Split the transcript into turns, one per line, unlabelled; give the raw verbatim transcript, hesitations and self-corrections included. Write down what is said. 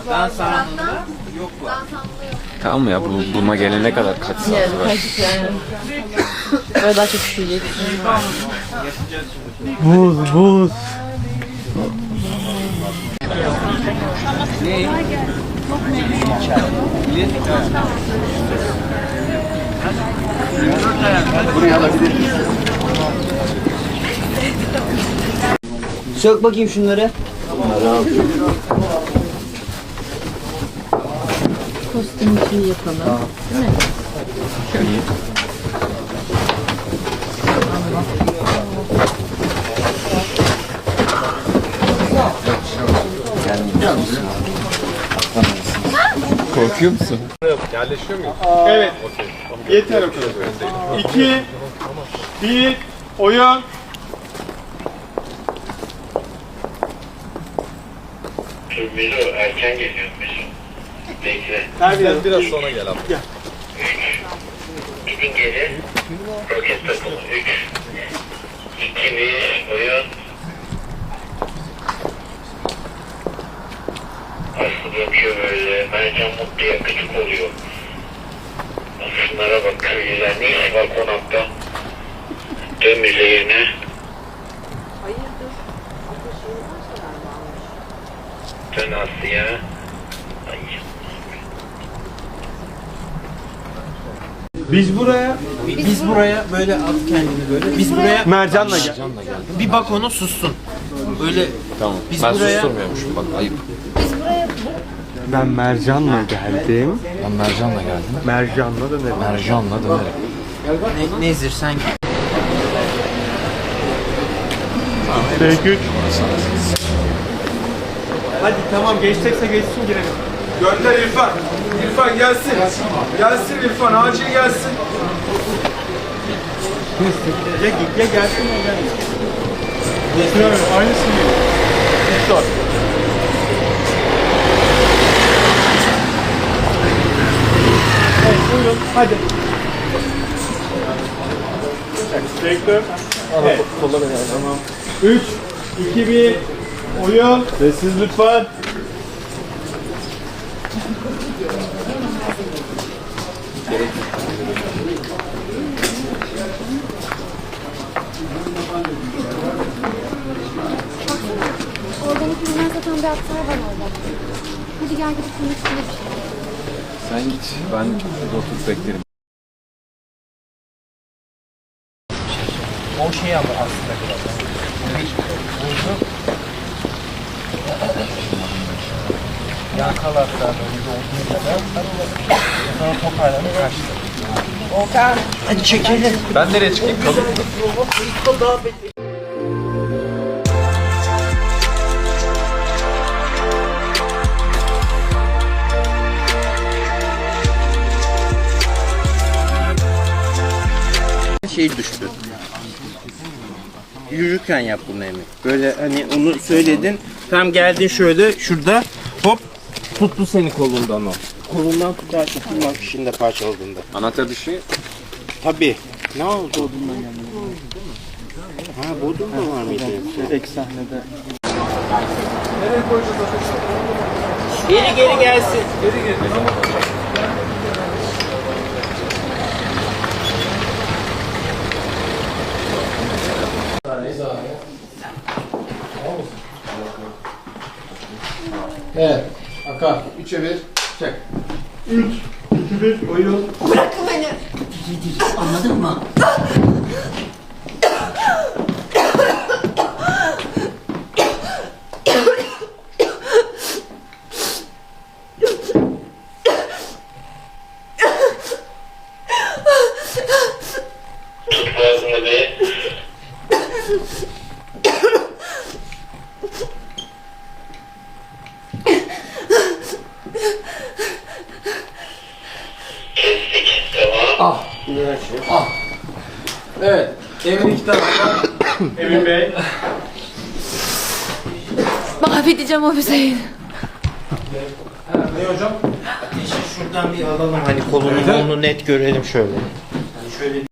Dans anında yok var.
Tamam ya, bu buna gelene kadar kaç saat
Yani
var?
kaç yani. Böyle daha çok üşüyeceksin.
Buz buz.
Ne?
Buraya alabilir miyiz? Sök bakayım şunları.
Kostüm için yapalım. Değil mi?
Korkuyor musun?
Yerleşiyor muyuz? Evet. Yeter o kadar. İki, bir, oyun.
Milo erken geliyor Milo. Bekle.
Biraz, biraz sonra gel abi. Gel.
Gidin geri. Roket takımı. Üç. İki bir. Oyun. Aslı bakıyor böyle. Mercan mutluya gıcık oluyor. Şunlara bak köylüler. Ne iş var konakta? Dön müzeyine. Dön Aslı'ya. Ay.
Biz buraya
Biz buraya böyle at kendini böyle. Biz buraya
Mercan'la gel.
bir bak onu sussun. Öyle
Tamam.
Biz
ben
buraya-
susturmuyormuşum, bak ayıp.
Ben Mercan'la geldim.
Ben Mercan'la geldim.
Mercan'la dönerim.
Mercan'la dönerim.
ne, Nezir sen
Tek üç. Hadi tamam, geçecekse geçsin, girelim.
Gönder İrfan. İrfan gelsin. Gelsin İrfan. Acil gelsin.
Ya, ya gelsin ya gelsin. Getiriyorum, aynısını yiyor. Sor. Evet, buyurun, hadi. Bekle. Evet. Tamam. üç, iki, bir, oyun. Sessiz lütfen.
Organik ürünler satan bir aktar var orada. Hadi gel gidip bunun üstüne bir şey.
Sen git, ben burada oturup beklerim.
o şey ama aslında biraz. Yakalatlar böyle olduğu kadar. Sonra toparlanıp kaçtı. Okan. Hadi çekelim.
Ben nereye çıkayım? Kalın mı?
Şey düştü. Yürürken yap bunu Emin. Böyle hani onu söyledin. Tam geldin şöyle şurada hop tuttu seni kolundan o. Kolundan tutar tutulmak işinde parçaladığında.
Anahtar dışı.
Tabii. Ne oldu Bodrum'dan geldi? Ha Bodrum'da var mıydı?
Ek sahnede.
Geri geri gelsin.
Evet. Aka. Üçe bir. Çek.
üç, iki, bir, oyun.
Bırakın beni.
Anladın mı?
Tut boğazını bir. Kestik. Tamam.
Ah. Evet. Emin iki tarafta.
Emin Bey.
Mahvedeceğim o Hüseyin.
Ne hocam?
Ateşi şuradan bir alalım hani kolunu kolunu net görelim şöyle. Hani şöyle